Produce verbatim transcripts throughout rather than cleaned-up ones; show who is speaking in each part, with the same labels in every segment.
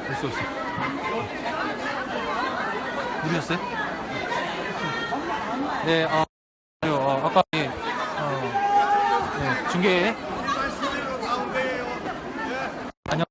Speaker 1: 됐어, 됐어. 누르셨어요? 네, 아, 어, 아까, 예, 어, 네, 중계. 안녕.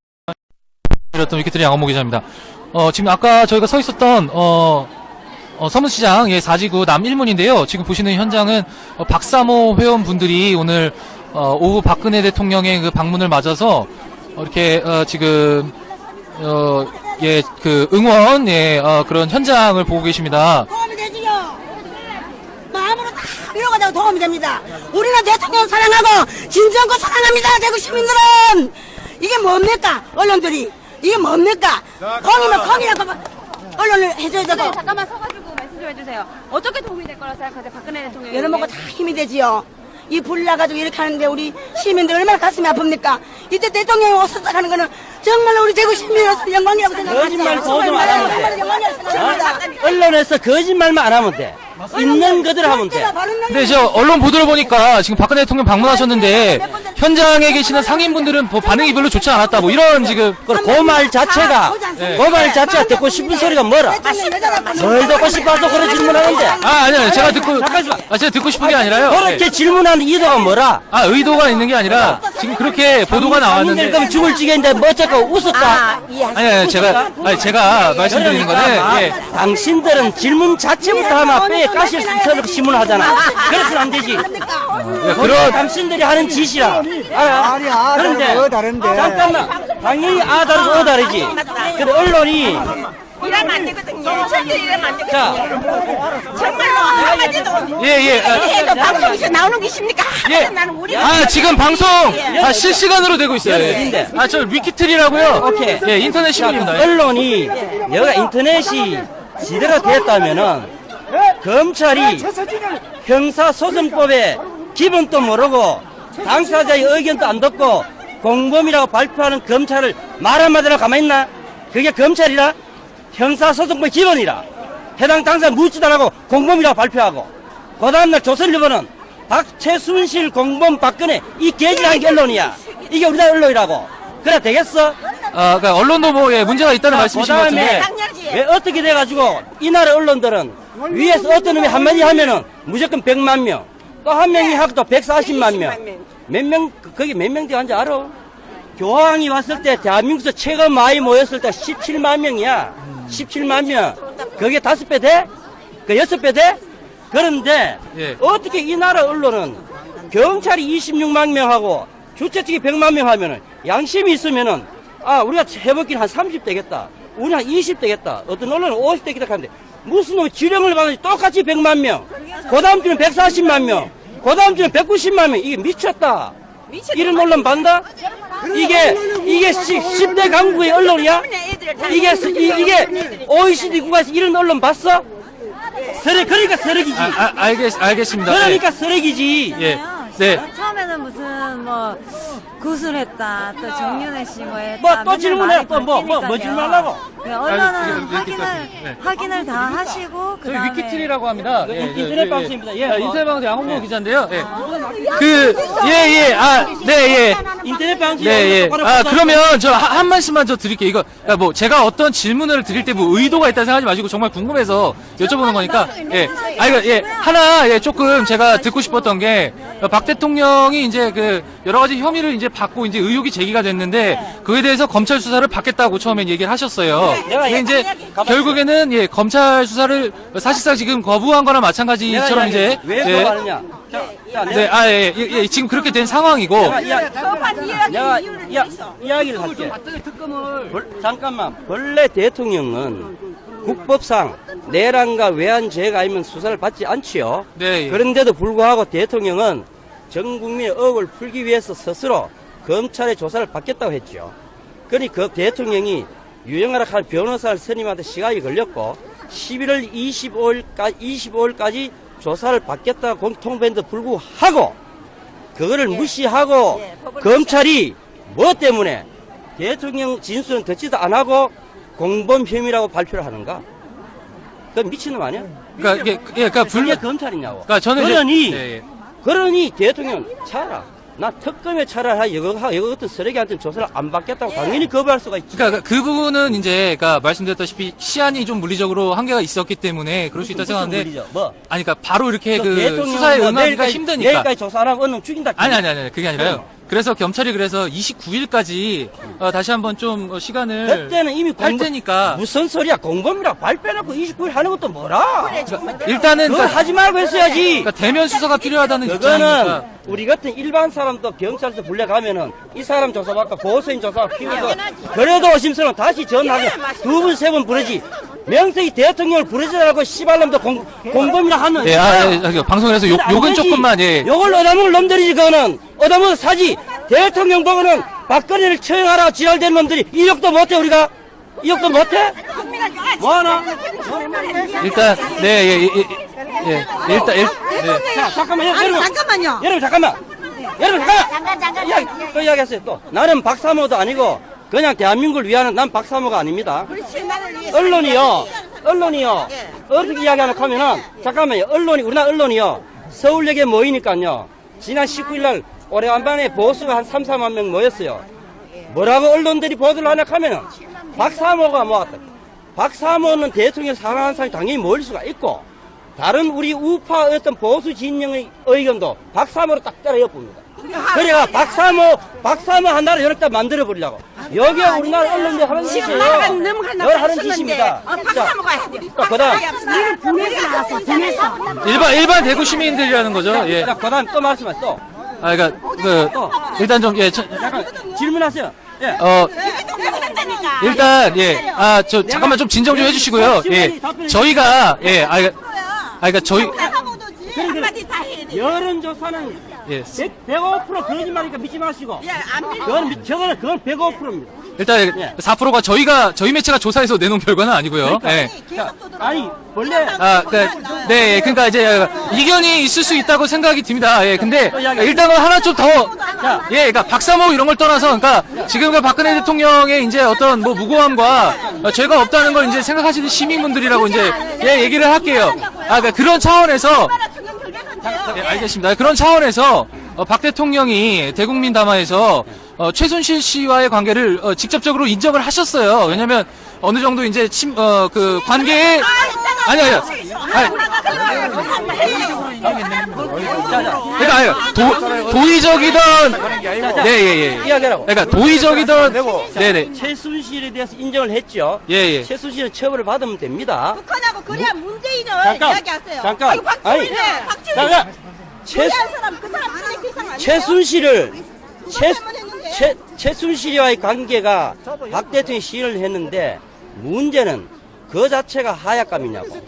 Speaker 1: 던 위키트리 양원모 기자입니다. 어, 지금 아까 저희가 서 있었던, 어, 어, 서문시장, 예, 사지구 남 일 문인데요. 지금 보시는 현장은, 어, 박사모 회원분들이 오늘, 어, 오후 박근혜 대통령의 그 방문을 맞아서, 어, 이렇게, 어, 지금, 어, 예, 그, 응원, 예, 어, 그런 현장을 보고 계십니다.
Speaker 2: 도움이 되지요. 마음으로 다 위로가 되고 도움이 됩니다. 우리는 대통령 사랑하고 진정권 사랑합니다. 대구 시민들은. 이게 뭡니까? 언론들이. 이게 뭡니까? 콩이면 콩이라고 언론을 해줘야 되고.
Speaker 3: 네, 잠깐만 서가지고 말씀 좀 해주세요. 어떻게 도움이 될 거라 생각하세요? 박근혜 대통령이.
Speaker 2: 여러 먹고 다 힘이 되지요. 이 불 나가지고 이렇게 하는데 우리 시민들 얼마나 가슴이 아픕니까? 이때 대통령이 오셨다 하는 거는 정말로 우리 대구 시민으로서 영광이라고 생각합니다.
Speaker 4: 거짓말 거짓말 안 하면 돼.
Speaker 2: 정말 영광이라고 생각합니다.
Speaker 4: 언론에서 거짓말만 안 하면 돼. 있는 그대로 하면 돼.
Speaker 1: 근데 저 언론 보도를 보니까 지금 박근혜 대통령 방문하셨는데 현장에 계시는 상인분들은 뭐 반응이 별로 좋지 않았다 뭐 이런 지금
Speaker 4: 그 말 자체가 그 말 자체가 듣고 싶은 소리가 뭐라? 뭘 듣고 싶어서 그런 질문하는데?
Speaker 1: 아 아니요 제가 듣고 아 제가 듣고 싶은 게 아니라요.
Speaker 4: 그렇게
Speaker 1: 네.
Speaker 4: 질문하는 이유가 뭐라?
Speaker 1: 아 의도가 있는 게 아니라 지금 그렇게 보도가 나왔는데
Speaker 4: 그럼 죽을 지겠는데 뭐 어쩌고 웃었다?
Speaker 1: 아니 아니 제가 아니 제가 말씀드리는 거는 예.
Speaker 4: 당신들은 질문 자체부터 하나 빼 가실 서로 질문을 하잖아. 그래서는 안 되지.
Speaker 1: 예,
Speaker 4: 그런
Speaker 1: 그런
Speaker 4: 당신들이 하는 짓이라. 알아?
Speaker 5: 아니, 아,
Speaker 4: 그런데
Speaker 5: 어, 다른데.
Speaker 4: 잠깐만. 당연히 아 다르고 어 다르지. 근데 언론이
Speaker 3: 이러면 안 되거든요. 절대 이러면 안 되거든요.
Speaker 4: 자,
Speaker 3: 정말로 한마디도.
Speaker 1: 예, 예. 아,
Speaker 3: 해도 방송에서 나오는 게 있습니까?
Speaker 1: 예.
Speaker 3: 나는 우리.
Speaker 1: 아 지금 방송 아, 실시간으로 되고 있어요.
Speaker 4: 어딘데?
Speaker 1: 아 저 위키트리라고요.
Speaker 4: 오케이.
Speaker 1: 예 인터넷 신문입니다. 예.
Speaker 4: 언론이 여기가 인터넷이 제대로 됐다면은 검찰이 형사소송법의 기본도 모르고 당사자의 의견도 안 듣고 공범이라고 발표하는 검찰을 말 한마디로 가만히 있나? 그게 검찰이라? 형사소송법 기본이라. 해당 당사자 묻지도 안 하고 공범이라고 발표하고 그 다음날 조선일보는 박최순실 공범 박근혜 이 개질한 게 언론이야. 이게 우리나라 언론이라고. 그래 되겠어?
Speaker 1: 아 그러니까 언론도 뭐 예, 문제가 있다는 말씀이신 것 같은데.
Speaker 4: 왜 어떻게 돼가지고 이 나라 언론들은 위에서 어떤 놈이 한마디 하면은 무조건 백만 명, 또 한 명이 하고 또 백사십만 명. 몇 명, 거기 몇 명 되는지 알아? 교황이 왔을 때 대한민국에서 최고 많이 모였을 때 십칠만 명이야. 십칠만 명. 그게 다섯 배 돼? 그 여섯 배 돼? 그런데
Speaker 1: 예.
Speaker 4: 어떻게 이 나라 언론은 경찰이 이십육만 명하고 주최 측이 백만 명 하면은 양심이 있으면은 아 우리가 해먹기는 한 삼십 되겠다. 우리 한 이십 되겠다. 어떤 언론은 오십 되겠다 하는데 무슨 놈이 지령을 받는지 똑같이 백만 명. 그 다음 주는 백사십만 명. 그 다음 주는 백구십만 명. 이게 미쳤다. 이런 언론 반다? 이게, 이게 십 대 강국의 언론이야? 이게, 이, 이게 오이시디 국가에서 이런 언론 봤어? 쓰레, 그러니까 쓰레기지.
Speaker 1: 아, 아 알겠 알겠습니다.
Speaker 4: 그러니까 쓰레기지.
Speaker 1: 예. 네.
Speaker 6: 처음에는 무슨 뭐 구술했다 또 정윤회 씨 뭐 했다
Speaker 4: 뭐, 또
Speaker 6: 맨날
Speaker 4: 질문해.
Speaker 6: 말이
Speaker 4: 또 뭐, 뭐, 뭐
Speaker 6: 바뀌니까요.
Speaker 4: 질문하려고?
Speaker 6: 네, 언론은
Speaker 1: 아니, 지금
Speaker 6: 확인을
Speaker 1: 네.
Speaker 6: 확인을 다 하시고
Speaker 1: 저희
Speaker 6: 그다음에
Speaker 1: 위키트리라고 합니다.
Speaker 4: 네,
Speaker 1: 예,
Speaker 4: 인터넷
Speaker 1: 예,
Speaker 4: 방송입니다. 예,
Speaker 1: 아,
Speaker 4: 뭐.
Speaker 1: 인터넷 방송 양홍모
Speaker 4: 네.
Speaker 1: 기자인데요. 예. 그, 예, 예, 아, 네, 예.
Speaker 4: 인터넷 방송.
Speaker 1: 네, 예. 아, 그러면 저 한 말씀만 저 드릴게요. 이거, 그러니까 뭐, 제가 어떤 질문을 드릴 때 뭐 의도가 있다 생각하지 마시고 정말 궁금해서 여쭤보는 거니까, 예. 아, 이거, 예. 하나, 예, 조금 제가 듣고 싶었던 게, 박 대통령이 이제 그, 여러 가지 혐의를 이제 받고 이제 의혹이 제기가 됐는데, 그에 대해서 검찰 수사를 받겠다고 처음에 얘기를 하셨어요. 근데 이제, 결국에는, 예, 검찰 수사를 사실상 지금 거부한 거나 마찬가지처럼 이제,
Speaker 4: 왜
Speaker 1: 예.
Speaker 4: 그거 하느냐? 자, 자,
Speaker 1: 네, 아, 예, 예, 예, 지금 그렇게 된 상황이고,
Speaker 4: 내가 이야,
Speaker 3: 법안 이야기
Speaker 4: 내가
Speaker 3: 이유는
Speaker 4: 이야,
Speaker 3: 있어.
Speaker 4: 이야기를 할게. 벌- 잠깐만. 본래 대통령은 국법상 내란과 외환죄가 아니면 수사를 받지 않지요.
Speaker 1: 네, 예.
Speaker 4: 그런데도 불구하고 대통령은 전 국민의 의혹을 풀기 위해서 스스로 검찰의 조사를 받겠다고 했죠. 그러니 그 대통령이 유영하라 할 변호사를 선임하는데 시간이 걸렸고 십일월 이십오일까지, 이십오일까지 조사를 받겠다고 공통했는데도 불구하고 그거를 무시하고 검찰이 뭐 때문에 대통령 진술은 듣지도 안 하고 공범 혐의라고 발표를 하는가? 그건 미친놈 아니야?
Speaker 1: 그러니까 이게, 예, 그러니까 불,
Speaker 4: 그게 검찰이냐고.
Speaker 1: 그러니까 저는 이제-
Speaker 4: 그러니
Speaker 1: 예, 예.
Speaker 4: 그러니 대통령 차라 나 특검에 차라리 이거 이거 같은 쓰레기한테 조사를 안 받겠다고 당연히 거부할 수가 있지.
Speaker 1: 그러니까 그 부분은 이제 그러니까 말씀드렸다시피 시한이 좀 물리적으로 한계가 있었기 때문에 그럴 수 있다
Speaker 4: 무슨
Speaker 1: 생각하는데
Speaker 4: 물리죠? 뭐?
Speaker 1: 아니 그러니까 바로 이렇게
Speaker 4: 그
Speaker 1: 그
Speaker 4: 대통령은
Speaker 1: 수사에
Speaker 4: 뭐
Speaker 1: 응하기가
Speaker 4: 내일까지-
Speaker 1: 힘드니까.
Speaker 4: 내일까지 조사하라고 언론 죽인다.
Speaker 1: 아니 아니 아니 그게 아니라요. 그래서 경찰이 그래서 이십구 일까지 어, 다시 한번 좀 어, 시간을
Speaker 4: 그때는 이미
Speaker 1: 할
Speaker 4: 공범-
Speaker 1: 테니까
Speaker 4: 무슨 소리야? 공범이라 발표해놓고 이십구 일 하는 것도 뭐라?
Speaker 1: 그러니까 일단은
Speaker 4: 그걸
Speaker 1: 그러니까,
Speaker 4: 하지 말고 했어야지.
Speaker 1: 그러니까 대면 수사가 필요하다는
Speaker 4: 그거는
Speaker 1: 입장이니까.
Speaker 4: 우리 같은 일반 사람도 경찰서 불려가면은 이 사람 조사받고 보호소인 조사가 필요해서 그래도 의심스러운 다시 전화하게 두 번 세 번 부르지. 명색이 대통령을 부르지 않고 씨발놈도 공, 공범이라 하는.
Speaker 1: 예, 아, 예, 예, 방송에서 욕, 욕은 조금만 예.
Speaker 4: 욕을 얻어먹을 놈들이지 그거는. 얻어먹어 사지. 대통령 보고는 박근혜를 처형하라 지랄된 놈들이 이 욕도 못해 우리가. 이 욕도 못해? 뭐하나?
Speaker 1: 일단 네, 예, 예, 예, 예, 일단 일, 네.
Speaker 4: 자, 잠깐만요.
Speaker 2: 아니,
Speaker 4: 여러분.
Speaker 2: 잠깐만요.
Speaker 4: 여러분, 잠깐만. 여러분, 잠깐만.
Speaker 2: 잠깐, 잠깐,
Speaker 4: 이야기, 또 이야기했어요, 또. 나는 박사모도 아니고, 그냥 대한민국을 위하는 난 박사모가 아닙니다. 언론이요, 언론이요. 어떻게 이야기하는 하면은, 잠깐만요. 언론이, 우리나라 언론이요. 서울역에 모이니까요. 지난 십구 일 날 오래간만에 보수가 한 삼, 사만 명 모였어요. 뭐라고 언론들이 보도를 하냐 하면은, 박사모가 모았다. 박사모는 대통령 사랑하는 사람이 당연히 모일 수가 있고, 다른 우리 우파 어떤 보수 진영의 의견도 박사모로 딱 따라 엿봅니다. 그래가 박사모, 박사모 하나를 여러 딱 만들어버리려고. 여기가 우리나라 언론들 하는 짓이에요.
Speaker 2: 나가는 넘어간다
Speaker 4: 널 하는 짓입니다.
Speaker 2: 어, 박사 먹어야 돼.
Speaker 4: 자, 그 다음.
Speaker 2: 이건 분해서 나왔어, 분해서.
Speaker 1: 일반 일반 대구 시민들이라는 거죠. 예.
Speaker 4: 자, 그 다음 또 말씀하세요. 또.
Speaker 1: 아, 그러니까 그 일단 좀 예, 저,
Speaker 4: 잠깐, 질문하세요. 예.
Speaker 1: 어. 일단 예, 아 저 잠깐만 좀 진정 좀 해주시고요. 예, 저희가 예, 아, 그러니까- 아 그러니까 저희
Speaker 2: 한마디 다 해야 돼.
Speaker 4: 여론조사는
Speaker 1: 예,
Speaker 4: 백오 퍼센트 거짓말이니까 믿지 마시고.
Speaker 2: 안 믿어.
Speaker 4: 그건, 미- 저거는, 그건 백오 퍼센트입니다.
Speaker 1: 일단
Speaker 4: 예.
Speaker 1: 사 퍼센트가 저희가 저희 매체가 조사해서 내놓은 결과는 아니고요. 예.
Speaker 4: 자, 아니, 원래.
Speaker 1: 아, 그, 네, 예, 그러니까 이제 이견이 있을 수 있다고 생각이 듭니다. 예, 근데 일단은 하나 좀 더, 예, 그러니까 박사모 이런 걸 떠나서, 그러니까 지금 그 박근혜 대통령의 이제 어떤 뭐 무고함과 어, 죄가 없다는 걸 이제 생각하시는 시민분들이라고 이제 예, 얘기를 할게요. 아, 그러니까 그런 차원에서. 예, 알겠습니다. 그런 차원에서 어, 박 대통령이 대국민 담화에서 어, 최순실 씨와의 관계를 어, 직접적으로 인정을 하셨어요. 왜냐면 어느 정도 이제 침, 어, 그 관계에 아니 아니요. 아니, 그러니까 아니요. 도, 도의적이던 예예예.
Speaker 4: 이야기하라고.
Speaker 1: 그러니까 도의적이던 네네.
Speaker 4: 최순실에 대해서 인정을 했죠.
Speaker 1: 예, 예.
Speaker 4: 최순실은 처벌을 받으면 됩니다.
Speaker 2: 북한하고 그래야 문재인을
Speaker 4: 잠깐,
Speaker 2: 이야기하세요.
Speaker 4: 잠깐.
Speaker 2: 아이고, 박지원이네.
Speaker 4: 아니,
Speaker 2: 박지원이.
Speaker 4: 잠깐. 최,
Speaker 2: 최한 사람, 그 사람 쓰레기 이상 아니야.
Speaker 4: 최순실을 최,
Speaker 2: 그것만 했는데.
Speaker 4: 최, 최순실과의 관계가 박 대통령이 시인을 했는데 문제는 그 자체가 하약감이냐고.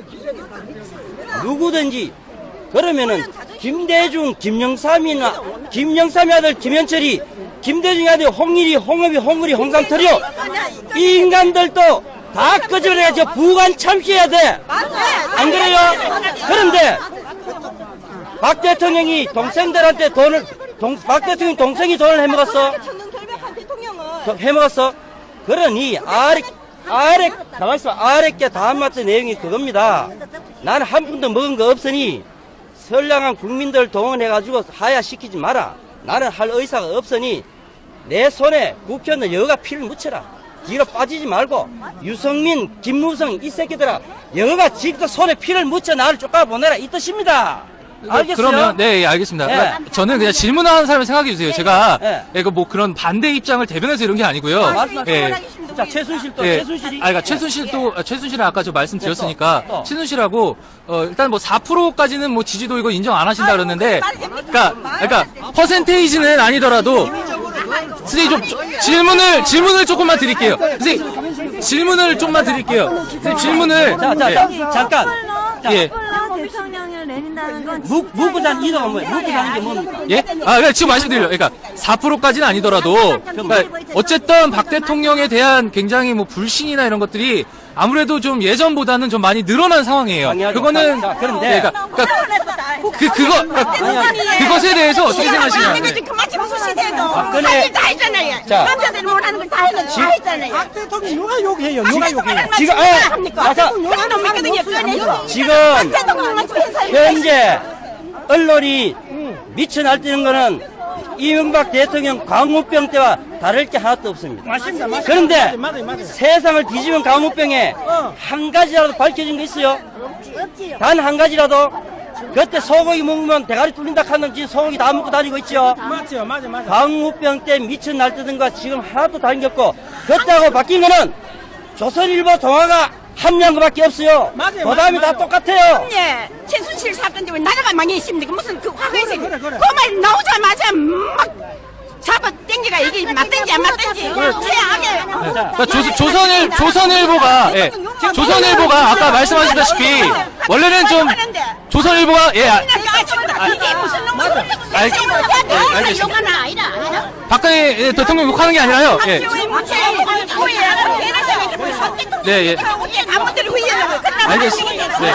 Speaker 4: 누구든지 그러면은 김대중, 김영삼이나 김영삼의 아들 김현철이 김대중의 아들 홍일이, 홍업이, 홍을이, 홍삼철이요. 이 인간들도 다 끄집어내가지고 부관 참시해야 돼. 안 그래요? 그런데 박 대통령이 동생들한테 돈을 동, 박 대통령 동생이 돈을 해먹었어.
Speaker 2: 천년 결백한 대통령은
Speaker 4: 더 해먹었어. 그러니 아래 아래 가만 있어. 아래께 다음 맞은 내용이 그겁니다. 나는 한 푼도 먹은 거 없으니 선량한 국민들 동원해가지고 하야시키지 마라. 나는 할 의사가 없으니 내 손에 국회의원 여가 피를 묻혀라. 뒤로 빠지지 말고 유성민, 김무성 이 새끼들아 여가 직접 손에 피를 묻혀 나를 쫓아보내라 이 뜻입니다. 알겠어요?
Speaker 1: 그러면 네, 예, 알겠습니다.
Speaker 4: 네.
Speaker 1: 그러니까 저는 그냥 질문하는 사람을 생각해 주세요. 제가
Speaker 4: 네.
Speaker 1: 예, 그뭐 그런 반대 입장을 대변해서 이런 게 아니고요.
Speaker 4: 말씀하세요.
Speaker 1: 예.
Speaker 4: 자, 최순실 또
Speaker 1: 예.
Speaker 4: 최순실이
Speaker 1: 아, 그러니까 최순실도 아, 최순실은 아까 저 말씀드렸으니까
Speaker 4: 네, 또, 또.
Speaker 1: 최순실하고 어, 일단 뭐 사 퍼센트까지는 뭐 지지도 이거 인정 안 하신다 그러는데, 그러니까 그러니까 퍼센테이지는 아니더라도 선생님 좀 저- 질문을 질문을 조금만 드릴게요. 선생님 질문을 좀만 드릴게요. 선생님 질문을
Speaker 4: 자, 자,
Speaker 1: 예.
Speaker 4: 자, 잠깐. 자,
Speaker 1: 예.
Speaker 6: 대통령을 내린다는 건
Speaker 4: 무, 무부장 이동은 뭐예요? 무부장인 게 뭡니까?
Speaker 1: 예? 아, 그러니까 지금 말씀드려요. 그러니까 사 퍼센트까지는 아니더라도, 그러니까 어쨌든 박 대통령에 대한 굉장히 뭐 불신이나 이런 것들이 아무래도 좀 예전보다는 좀 많이 늘어난 상황이에요.
Speaker 4: 당연하죠.
Speaker 1: 그거는
Speaker 4: 자, 그런데
Speaker 1: 예, 그러니까, 그러니까 그 그거 그러니까 그것에 대해서 어떻게 생각하시냐?
Speaker 2: 그만 좀 수시대도
Speaker 4: 박근혜-
Speaker 2: 할일 다 했잖아요.
Speaker 4: 자.
Speaker 2: 남자들이 못하는 걸 다 했는데 다 했잖아요.
Speaker 5: 박 대통령 누가 욕해요? 누가 욕해요?
Speaker 4: 지금, 아,
Speaker 2: 합니까?
Speaker 4: 자,
Speaker 2: 그런 놈 믿거든요. 꺼내요.
Speaker 4: 지금
Speaker 2: 대통령만 좀 해서
Speaker 4: 현재 언론이 미쳐 날뛰는 거는 이명박 대통령 광우병 때와 다를 게 하나도 없습니다.
Speaker 5: 맞습니다. 맞습니다.
Speaker 4: 그런데
Speaker 5: 맞아요, 맞아요.
Speaker 4: 세상을 뒤집은 광우병에
Speaker 5: 어.
Speaker 4: 한 가지라도 밝혀진 거 있어요? 단 한 가지라도? 그때 소고기 먹으면 대가리 뚫린다 하는 지금 소고기 다 먹고 다니고 있죠?
Speaker 5: 맞죠, 맞아, 맞아.
Speaker 4: 광우병 때 미쳐 날뛰던 거 지금 하나도 다른 게 없고, 그때하고 바뀐 거는 조선일보 동화가 합리한 거밖에 없어요.
Speaker 5: 맞아요,
Speaker 4: 그 다음에
Speaker 5: 맞아요,
Speaker 4: 다 똑같아요.
Speaker 2: 예, 최순실 사건 때문에 나라가 많이 있습니다. 그 무슨 그 화근이
Speaker 5: 그래, 그래, 그래.
Speaker 2: 그 말 나오자마자 막 잡아 당기가 이게 맞든지 안 맞든지 최악의
Speaker 1: 그러니까 조, 조선일 조선일보가 예, 조선일보가 아까 말씀하셨다시피 원래는 좀 조선일보가 예, 아,
Speaker 2: 이게 무슨 놈의
Speaker 1: 알- 예, 알겠습니다.
Speaker 2: 욕하나 아니라
Speaker 1: 박근혜 예, 대통령 욕하는 게 아니라요. 예. 네, 예.
Speaker 2: 아무들이 후회하고
Speaker 1: 알겠습니다. 네.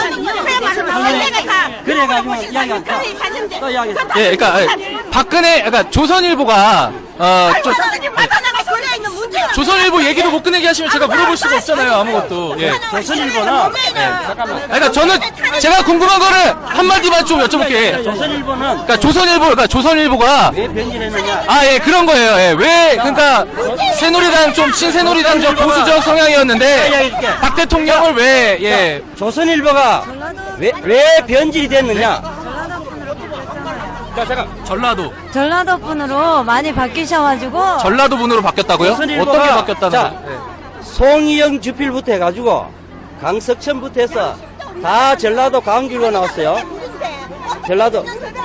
Speaker 4: 그래가지고 이야기한다. 또 이야기했다.
Speaker 1: 예, 그러니까 예, 박근혜 그러니까 조선일보가 어, 저, 조선일보 얘기도 못 꺼내게 하시면 제가 물어볼 수가 없잖아요, 아무것도. 예.
Speaker 4: 조선일보는 잠깐만.
Speaker 1: 그러니까 저는 제가 궁금한 거를 한마디만 좀 여쭤볼게요.
Speaker 4: 조선일보는
Speaker 1: 그러니까 조선일보, 그러니까 조선일보가
Speaker 4: 왜 변질했느냐?
Speaker 1: 아, 예, 그런 거예요. 예, 왜 그러니까 새누리당 좀 친새누리당적 보수적 성향이었는데 박 대통령을 왜 예.
Speaker 4: 조선일보가 왜, 왜 변질이 됐느냐?
Speaker 6: 전라도 분으로 바뀌었잖아요.
Speaker 4: 자, 잠깐.
Speaker 1: 전라도
Speaker 6: 전라도 분으로 많이 바뀌셔가지고
Speaker 1: 전라도 분으로 바뀌었다고요?
Speaker 4: 조선일보가-
Speaker 1: 어떻게 바뀌었다는
Speaker 4: 자,
Speaker 1: 거예요?
Speaker 4: 송이영 주필부터 해가지고 강석천부터 해서 다 전라도 광주로 나왔어요. 전라도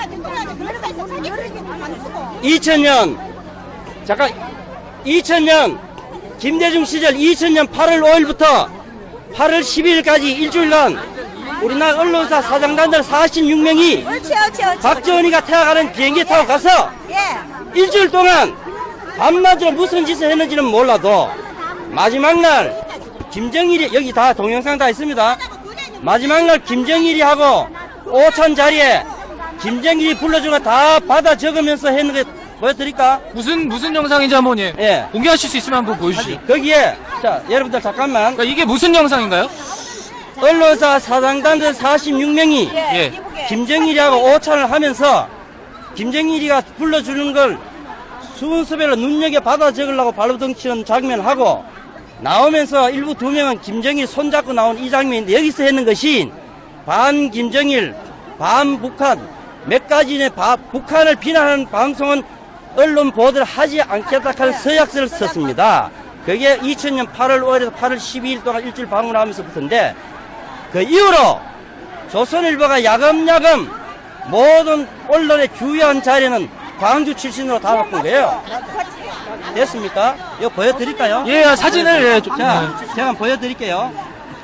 Speaker 4: 이천 년 잠깐 이천 년 김대중 시절 이천 년 팔월 오일부터 팔월 십일일까지 일주일간 우리나라 언론사 사장단들 사십육 명이 박정희가 태워가는 비행기 타고 가서 일주일 동안 밤낮으로 무슨 짓을 했는지는 몰라도 마지막 날 김정일이 여기 다 동영상 다 있습니다. 마지막 날 김정일이 하고 오찬 자리에 김정일이 불러준 거 다 받아 적으면서 했는 거 보여드릴까?
Speaker 1: 무슨 무슨 영상인지 한번 예.
Speaker 4: 예.
Speaker 1: 공개하실 수 있으면 한번 보여주시죠.
Speaker 4: 거기에 자 여러분들 잠깐만
Speaker 1: 그러니까 이게 무슨 영상인가요?
Speaker 4: 언론사 사장단들 사십육 명이
Speaker 1: 예.
Speaker 4: 김정일이하고 오찬을 하면서 김정일이가 불러주는 걸 순서별로 눈여겨 받아 적으려고 발버둥치는 장면을 하고 나오면서 일부 두 명은 김정일 손잡고 나온 이 장면인데 여기서 했는 것이 반 김정일, 반 북한 몇 가지의 바- 북한을 비난하는 방송은 언론 보도를 하지 않겠다 하는 서약서를 썼습니다. 그게 이천 년 팔월 오일에서 팔월 십이일 동안 일주일 방문하면서부터인데 그 이후로 조선일보가 야금야금 모든 언론의 주요한 자리는 광주 출신으로 다 바꾼 거예요. 됐습니까? 이거 보여드릴까요?
Speaker 1: 예, 사진을 예, 좀,
Speaker 4: 자, 제가 한번 보여드릴게요.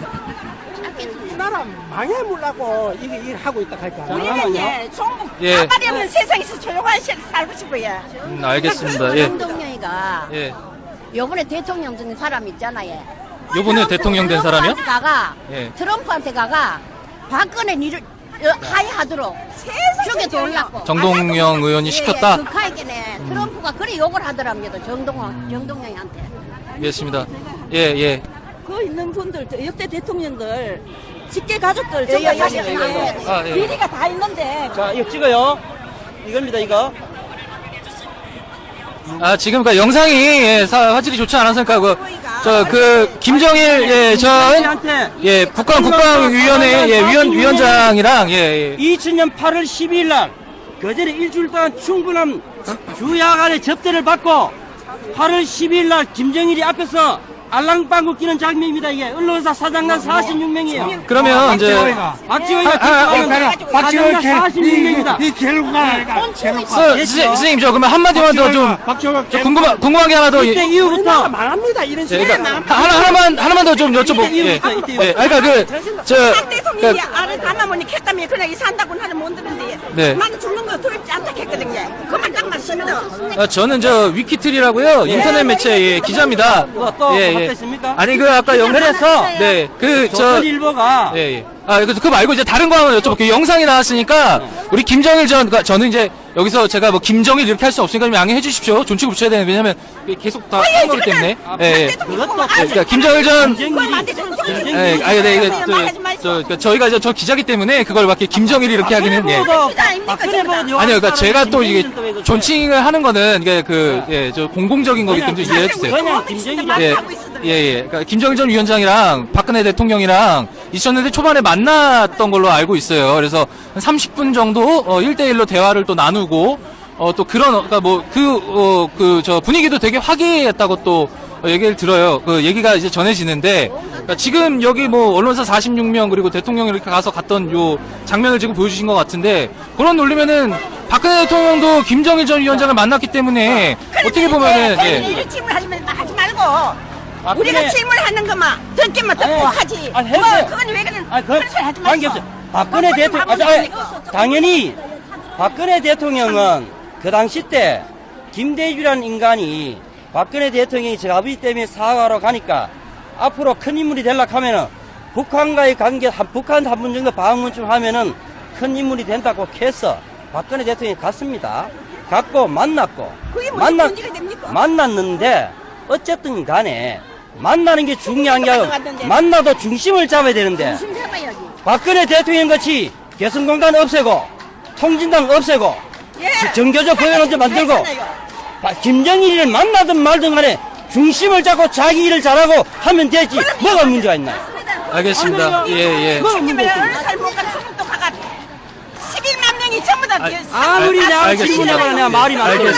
Speaker 5: 이 나라 망해물라고 이게 일하고 있다 할까.
Speaker 4: 잠깐만요.
Speaker 2: 종북
Speaker 1: 예.
Speaker 2: 가발이 없는 세상에서 조용한 시 살고 싶어요.
Speaker 1: 음, 알겠습니다. 예.
Speaker 7: 정동영이가
Speaker 1: 예.
Speaker 7: 요번에 대통령 된 사람 있잖아요.
Speaker 1: 요번에 대통령 된 사람이요?
Speaker 7: 트럼프한테 가가
Speaker 1: 예.
Speaker 7: 트럼프한테 가가 박근혜 니를 어, 하이하도록 죽여 돌라고.
Speaker 1: 정동영 의원이 시켰다? 음.
Speaker 7: 극하에게네 트럼프가 그래 욕을 하더랍니다. 정동영 정동영한테.
Speaker 1: 알겠습니다. 예, 예.
Speaker 8: 그 있는 분들, 저 역대 대통령들, 직계 가족들,
Speaker 7: 예, 예,
Speaker 8: 전부
Speaker 7: 예,
Speaker 8: 다
Speaker 7: 예, 예.
Speaker 1: 아, 예.
Speaker 8: 비리가 다 있는데,
Speaker 4: 자, 이거 찍어요. 이겁니다, 이거.
Speaker 1: 아, 지금 그 영상이 예, 사, 화질이 좋지 않았으니까 그, 저, 그, 김정일, 예, 전,
Speaker 4: 김정일한테
Speaker 1: 예, 북한 국방위원회, 예, 위원, 위원장이랑, 예, 예.
Speaker 4: 이천 년 팔월 십이일 날 그전에 일주일 동안 충분한 주야간의 접대를 받고 팔월 십이일 날 김정일이 앞에서 알랑방구 끼는 장면입니다. 이게 언론사 사장단 사십육 명이에요.
Speaker 1: 그러면 이제,
Speaker 4: 박지원이가
Speaker 1: 아, 아,
Speaker 4: 접대하면 사장단 사십육 명입니다.
Speaker 5: 이 결과가
Speaker 1: 서, 선- 선생님, 저 그러면 한마디만 더 좀,
Speaker 5: 박정호
Speaker 1: 저 궁금한, 궁금한 게 하나 더,
Speaker 4: 이때
Speaker 1: 예,
Speaker 4: 이후부터
Speaker 5: 망합니다 이런
Speaker 1: 예,
Speaker 5: 식으로.
Speaker 1: 그러니까, 하나, 하나만, 하나만 더 좀 여쭤보, 예. 예, 아, 그러니까 그, 저,
Speaker 2: 박 대통령이
Speaker 1: 그러니까,
Speaker 2: 알을 담아보니 했다며 그냥 이 산다고는 하는 못 듣는데
Speaker 1: 네.
Speaker 2: 나는 죽는 거 두렵지 않다 했거든요. 그만 딱 맞습니다.
Speaker 1: 아, 저는 저 위키트리라고요 인터넷 매체 예, 기자입니다.
Speaker 4: 또, 또 뭐가 또 있습니까?
Speaker 1: 아니 그 아까 영
Speaker 4: 그래서
Speaker 1: 네 그 저
Speaker 4: 조선일보가
Speaker 1: 예, 예. 아, 그, 그거 말고 이제 다른 거 하나 여쭤볼게요. 영상이 나왔으니까, 우리 김정일 전, 그러니까 저는 이제, 여기서 제가 뭐, 김정일 이렇게 할 수 없으니까 좀 양해해 주십시오. 존칭을 붙여야 되는, 왜냐면, 이게 계속 다 하는 거기 때문에. 예, 예.
Speaker 4: 그것도
Speaker 1: 예, 그러니까 김정일 전,
Speaker 4: 김정일이
Speaker 1: 예, 아니, 네, 이거, 또, 저, 그러니까 저희가 이제 저 기자기 때문에 그걸 막 이렇게 김정일이 이렇게 하기는, 예.
Speaker 4: 박근혜 보고
Speaker 1: 아니요, 그러니까 제가 또 이게 존칭을 하는 거는 이게 그, 예, 저 공공적인 거기 때문에 좀 이해해 주세요.
Speaker 4: 그냥 김정일이
Speaker 1: 예, 예, 예. 그러니까 김정일 전 위원장이랑 박근혜 대통령이랑 이천 년대 초반에 만났던 걸로 알고 있어요. 그래서 한 삼십 분 정도 어, 일 대일로 대화를 또 나누고 어, 또 그런 어, 그러니까 뭐 그 어, 그 저 분위기도 되게 화기애애했다고 또 어, 얘기를 들어요. 그 얘기가 이제 전해지는데 그러니까 지금 여기 뭐 언론사 사십육 명 그리고 대통령이 이렇게 가서 갔던 요 장면을 지금 보여주신 것 같은데 그런 논리면은 박근혜 대통령도 김정일 전 위원장을 만났기 때문에 어떻게 보면은 예.
Speaker 7: 이런 질문하지 하지 말고
Speaker 4: 박근혜-
Speaker 7: 우리가 질문하는 것만 듣기만 듣고
Speaker 4: 아니,
Speaker 7: 하지.
Speaker 4: 아니,
Speaker 7: 뭐
Speaker 4: 해보세요.
Speaker 7: 그건 왜 그런
Speaker 4: 아니, 그,
Speaker 7: 그런 소리 하지 말고.
Speaker 4: 관계없어요. 박근혜 대통령, 아니, 아니, 당연히, 박근혜 대통령은 그 당시 때, 김대주라는 인간이 박근혜 대통령이 저 아버지 때문에 사과하러 가니까 앞으로 큰 인물이 되려고 하면은 북한과의 관계, 한, 북한 한 번 정도 방문 좀 하면은 큰 인물이 된다고 해서 박근혜 대통령이 갔습니다. 갔고 만났고.
Speaker 7: 그게 무슨 문제가 됩니까?
Speaker 4: 만났는데 어쨌든 간에 만나는 게 중요한 게 아니고
Speaker 7: 갔는데.
Speaker 4: 만나도 중심을 잡아야 되는데
Speaker 7: 중심 잡아야지.
Speaker 4: 박근혜 대통령 같이 개성공단 없애고 통진당 없애고
Speaker 7: 예.
Speaker 4: 정교조 법원을 만들고
Speaker 7: 했잖아요.
Speaker 4: 바- 김정일을 만나든 말든 간에 중심을 잡고 자기 일을 잘하고 하면 되지 뭐가 문제가 있나요?
Speaker 1: 알겠습니다. 예, 예.
Speaker 4: 뭐가 문제가
Speaker 7: 시키면 어느
Speaker 4: 있습니까?
Speaker 7: 살 못 가는 소금도 가가 십일만 명이 전부 다
Speaker 1: 아,
Speaker 7: 비었어.
Speaker 4: 아무리
Speaker 1: 알-
Speaker 4: 내가
Speaker 1: 알겠습니다.
Speaker 4: 질문해봐야 내가 말이 많아.
Speaker 1: 알겠습니다.